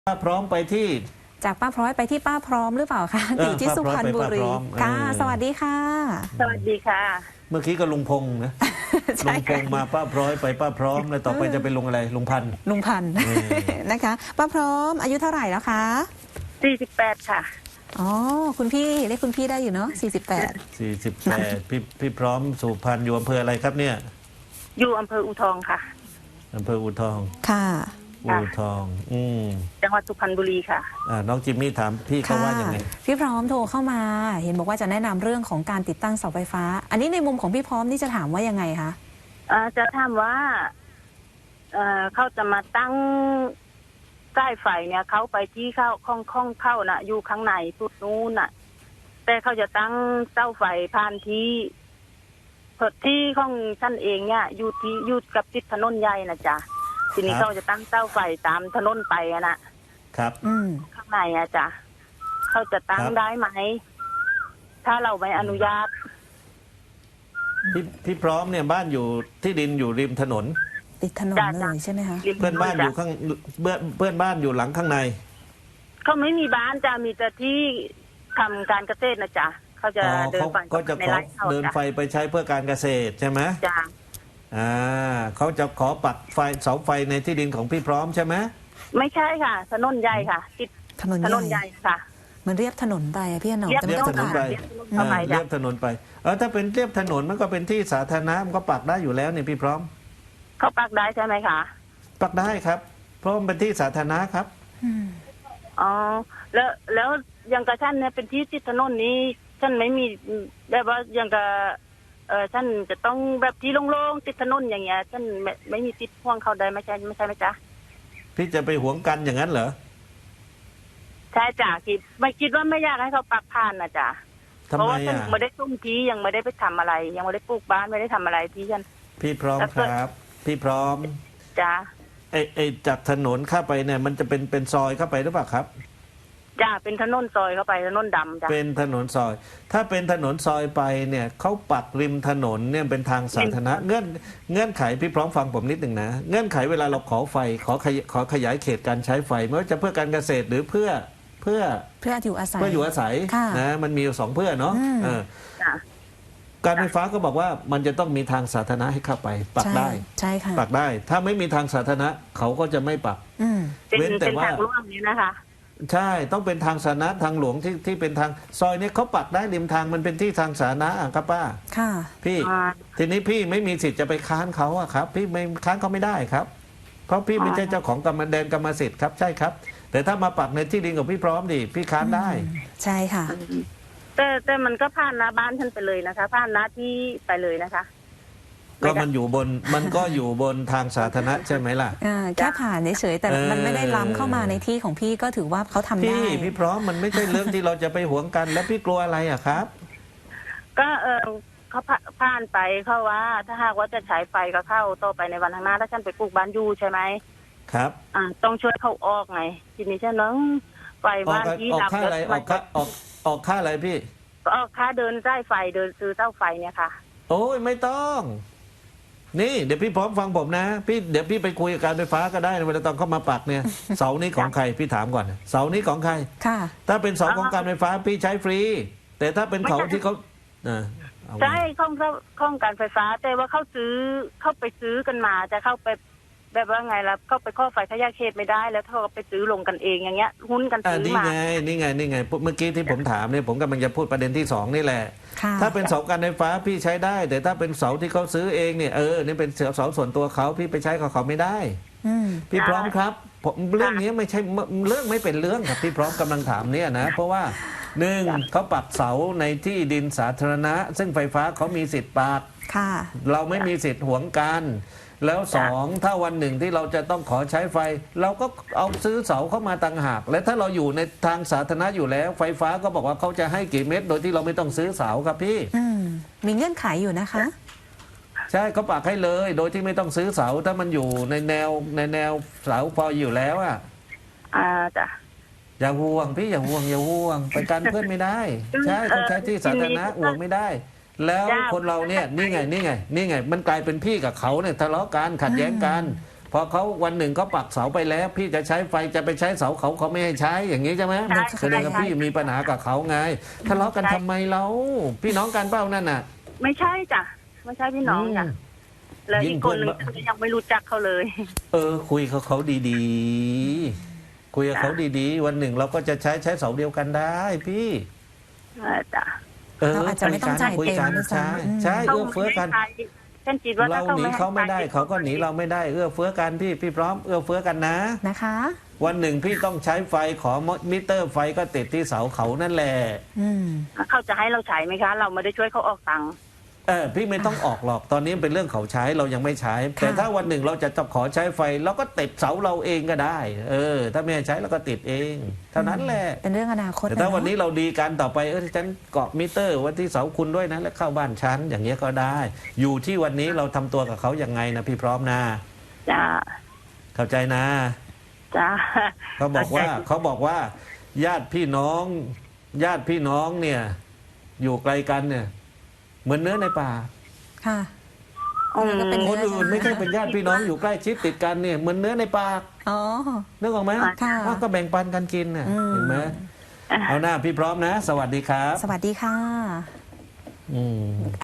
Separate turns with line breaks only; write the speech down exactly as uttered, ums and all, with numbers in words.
ป้าพร้อมไปที่
จากป้าพร้อยไปที่ป้าพร้อมหรือเปล่าคะอยู่ที่สุพรรณบุรีค่ะสวัสดีค่ะ
สวัสดีค่ะ
เมื่อกี้ก็ลุงพงษ์นะลุงพงษ์มาป้าพร้อยไปป้าพร้อมแล้วต่อไปจะเป็นลุงอะไรลุงพันธุ์
ลุงพันธุ์นะคะป้าพร้อมอายุเท่าไหร่แล้วคะ
สี่สิบแปดค่ะ
อ๋อคุณพี่เรียกคุณพี่ได้อยู่เนาะสี่สิบแปด
สี่สิบแปดพี่พี่พร้อมสุพรรณอยู่อำเภออะไรครับเนี่ย
อยู่อำเภออู่ทองค่ะ
อำเภออู่ทอง
ค่ะ
อู่ทองอืม
จังหวัดสุพรรณบุรีค่ะ
อ่าน้องจิมมี่ถามพี่เขาว่ายังไง
พี่พร้อมโทรเข้ามาเห็นบอกว่าจะแนะนำเรื่องของการติดตั้งเสาไฟฟ้าอันนี้ในมุมของพี่พร้อมนี่จะถามว่ายังไงคะ
อ่าจะถามว่าเอ่อเขาจะมาตั้งใต้ไฟเนี่ยเขาไปที่เข้าข้องข้องเข้าน่ะอยู่ข้างในสุดนู้นน่ะแต่เขาจะตั้งเต้าไฟผ่านที่ที่ของท่านเองเนี่ยอยู่ที่อยู่กับติดถนนใหญ่นะจ๊ะทีนี้เขาจะตั้งเต้าไฟตามถนนไปอะนะครับ
อืม
ข้างในอะจ๊ะเขาจะตั้งได้ไหมถ้าเราไม่อนุญาต
พี่พี่พร้อมเนี่ยบ้านอยู่ที่ดินอยู่ริมถนน
ติดถนนเลยใช่ไหมคะ
เพื่อนบ้านอยู่ข้างเพื่อนเพื่อนบ้านอยู่หลังข้างใน
เขาไม่มีบ้านจะมีแต่ที่ทำการเกษตรนะจ๊ะเขาจะเดินไฟ
ก็จะขอเดินไฟไปใช้เพื่อการเกษตรใช่ไหม
จ้ะ
อ่าเขาจะขอปักไฟเสาไฟในที่ดินของพี่พร้อมใช่ไหม
ไม่ใช่ค่ะถนนใหญ่ค่ะติด
ถนนใหญ่
ค่ะ
มันเรียบถนนไปพี่หนอม
เรียบถนนไปเรียบถนนไปเออถ้าเป็นเรียบถนนมันก็เป็นที่สาธารณะมันก็ปักได้อยู่แล้วเนี่ยพี่พร้อม
เขาปักได้ใช่ไหมคะ
ปักได้ครับเพราะมันเป็นที่สาธารณะครับ
อ๋อแล้วแล้วอย่างกับท่านเนี่ยเป็นที่ติดถนนนี้ท่านไม่มีแบบว่าอย่างกับเออท่านจะต้องแบบที่โล่งๆติดถนนอย่างเงี้ยท่านไม่ไม่มีติดพ่วงเขาได้ไม่ใช่ไม่ใช่ไหมจ๊ะ
พี่จะไปหวงกันอย่างนั้นเหรอ
ใช่จ้ะคิดไม่คิดว่าไม่อยากให้เขาปักผ่านนะจ๊ะเพราะว่าท่านไม่ได้ตุ้มที่ยังไม่ได้ไปทำอะไรยังไม่ได้ปลูกบ้านไม่ได้ทำอะไรที่ท่าน
พี่พร้อมครับพี่พร้อม
จ้ะ
ไอไอจากถนนเข้าไปเนี่ยมันจะเป็นเป็นซอยเข้าไปหรือเปล่าครับ
จ้ะเป็นถนนซอยเข้าไปถนนดำจ้ะ
เป็นถนนซอยถ้าเป็นถนนซอยไปเนี่ยเขาปักริมถนนเนี่ยเป็นทางสาธารณะเงื่อนเงื่อนไขพี่พร้อมฟังผมนิดหนึ่งนะเงื่อนไขเวลาเราขอไฟขอขยขอขยายเขตการใช้ไฟไม่ว่าจะเพื่อการเกษตรหรือเพื่อเพื่อ
เพื่ออยู่อาศัย
เพื่ออยู่อาศัยนะมันมีสองเพื่อเนาะการไฟฟ้าก็บอกว่ามันจะต้องมีทางสาธารณะให้เข้าไปปักได้
ใช่ค่ะ
ปักได้ถ้าไม่มีทางสาธารณะเขาก็จะไม่ปัก
เว้นแต่ว่าทางหลวงนี้นะคะ
ใช่ต้องเป็นทางสาธารณะทางหลวงที่ที่เป็นทางซอยนี้เขาปักได้ริมทางมันเป็นที่ทางสาธารณะครับป้า
ค่ะ
พี่ทีนี้พี่ไม่มีสิทธิ์จะไปค้านเขาอะครับพี่ไม่ค้านเขาไม่ได้ครับเพราะพี่ไม่ใช่เจ้าของกรรมแดนกรรมสิทธิ์ครับใช่ครับแต่ถ้ามาปักในที่ดินของพี่พร้อมดิพี่ค้านได้
ใช่ค่ะ
แต่แต่มันก็ผ่านหน้าบ้านท่านไปเลยนะคะผ่านหน้าที่ไปเลยนะคะ
ก็มันอยู่บนมันก็อยู่บนทางสาธารณะใช่ไหมล่ะ
แค่ผ่านเฉยแต่มันไม่ได้ล้ำเข้ามาในที่ของพี่ก็ถือว่าเขาทำได้
พี่พี่พร้อมมันไม่ใช่เรื่องที่เราจะไปหวงกันแล้วพี่กลัวอะไรอะครับ
ก็เออเขาผ่านไปเขาว่าถ้าหากว่าจะใช้ไฟก็เข้าต่อไปในวันข้างหน้าถ้าฉันไปปลูกบ้านอยู่ใช่ไหม
ครับ
อ่าต้องช่วยเขาออกไงทีนี้ฉันน้องไฟบ้านที่
ออกค่าอะไรออกค่าออกออกค่าอะไรพี่
ออกค่าเดินใต้ไฟเดินซื้อเต้าไฟเนี่ยค่ะ
โอ้ยไม่ต้องนี่เดี๋ยวพี่พร้อมฟังผมนะพี่เดี๋ยวพี่ไปคุยกับการไฟฟ้าก็ได้เวลาตอนเข้ามาปักเนี่ยเสานี้ของใครพี่ถามก่อนเสานี้ของใคร
ค่ะ
ถ้าเป็นเสาของการไฟฟ้าพี่ใช้ฟรีแต่ถ้าเป็นเขาที่เขา
ใช่ข้องข้องการไฟฟ้าแต่ว่าเขาซื้อเข้าไปซื้อกันมาจะเข้าไปแบบว่าไงล่ะเข้าไปข้อไฟขยายเขตไม่ได้แล้วเขาไปซื้อลงกันเองอย่างเงี้ยหุ้นกันซื้อมา
นี่ไงนี่ไงนี่ไงเมื่อกี้ที่ผมถามเนี่ยผมกำลังจะพูดประเด็นที่สองนี่แหละถ้าเป็นเสาการไฟฟ้าพี่ใช้ได้แต่ถ้าเป็นเสาที่เขาซื้อเองเนี่ยเออนี่เป็นเสาส่วนตัวเขาพี่ไปใช้กับเขาไม่ได้พี่พร้อมครับผมเรื่องนี้ไม่ใช่เรื่องไม่เป็นเรื่องครับพี่พร้อมกำลังถามเนี่ยนะเพราะว่าหนึ่งเขาปักเสาในที่ดินสาธารณะซึ่งไฟฟ้าเขามีสิทธิ์ปักเราไม่มีสิทธิ์หวงกันแล้วสองถ้าวันหนึ่งที่เราจะต้องขอใช้ไฟเราก็เอาซื้อเสาเข้ามาต่างหากและถ้าเราอยู่ในทางสาธารณะอยู่แล้วไฟฟ้าก็บอกว่าเขาจะให้กี่เม็ดโดยที่เราไม่ต้องซื้อเสาครับพี่
มีเงื่อนไขอยู่นะคะ
ใช่เขาปักให้เลยโดยที่ไม่ต้องซื้อเสาถ้ามันอยู่ในแนวในแนวเสาพออยู่แล้วอ่ะ
อ่าจ้ะ
อย่าห่วงพี่อย่าห่วงอย่าห่วงไปกันเพื่อนไม่ได้ใช่เขาใช้ที่สาธารณะห่วงไม่ได้แล้วคนเราเนี่ยนี่ไงนี่ไงนี่ไงมันกลายเป็นพี่กับเขาเนี่ยทะเลาะกันขัดแย้งกันพอเขาวันหนึ่งเขาปักเสาไปแล้ว พี่จะใช้ไฟจะไปใช้เสาเขาเขาไม่ให้ใช้อย่างนี้ใช่ไหม
ใช่
แสดงว่า
ใช่
พี่มีปัญหากับเขาไงทะเลาะกันทำไมเราพี่น้องกันเปล่านั่นน่ะ
ไม่ใช่จ้ะไม่ใช่พี่น้องจ้ะ
ม
แล้ว
ยิ่
อี
ง
กคนหนึ่ง
เพื่อน
ยังไม่รู้จักเขาเลย
เออ คุยกับเขาดีๆ คุยกับเขาดีๆ วันหนึ่งเราก็จะใช้ใช้เสาเดียวกันได้พี่
เออจ้ะ
เออ
เราอาจจะไม่ต้องจ่าย
คุยกัน
เต็มด้วยซ้ำ
ใช่
อืม
ใช่
เขา
เอื้อเฟื้อกัน
ไม่ให้ใช้ฉันคิดว่า
เรา
ถ้าเขา
หนี
ไม่ให้
เขาไม่ได้
ใช้
เขาก็หนีเราไม่ได้ เอื้อเฟื้อกันพี่พี่พร้อมเอื้อเฟื้อกันนะ
นะคะ
วันหนึ่งพี่ต้องใช้ไฟขอมิเตอร์ไฟก็ติดที่เสาเขานั่นแหละ
อืม
เขาจะให้เราใช้ไหมคะ เราไม่ได้ช่วยเขาออกตังค์
เออพี่ไม่ต้องออกหรอกตอนนี้เป็นเรื่องเขาใช้เรายังไม่ใช้ แต่ถ้าวันหนึ่งเราจะจะขอใช้ไฟเราก็ติดเสาเราเองก็ได้ เออ ถ้าไม่ให้ใช้เราก็ติดเอง เท่านั้นแหละ
เป็นเรื่องอนาคต
แต่ถ้า
ะ
วันนี้เราดีกันต่อไปเออฉันเกาะมิเตอร์ไว้ที่เสาคุณด้วยนะแล้วเข้าบ้านฉันอย่างเงี้ยก็ได้ อยู่ที่วันนี้เราทำตัวกับเขายังไงนะพี่พร้อมนะ
จ้า
เข้าใจนะ
จ้า
เขาบอกว่าเขาบอกว่า ญาติพี่น้อง ญาติพี่น้องเนี่ย อยู่ไกลกันเนี่ย เหมือนเนื้อในป่า
ค่ะ
อืม
ก็เป็น
คนอื่นไม่ใช่เป็นญาติพี่น้องอยู่ใกล้ชิดติดกันเนี่ยเหมือนเนื้อในปาก
อ๋อ
นึกออกไหม
ค่ะ
ว่าก็แบ่งปันกันกินน่ะ
อืม
เห็นไหมเอาหน้าพี่พร้อมนะ สวัสดีครับ
สวัสดีค่ะ
อืม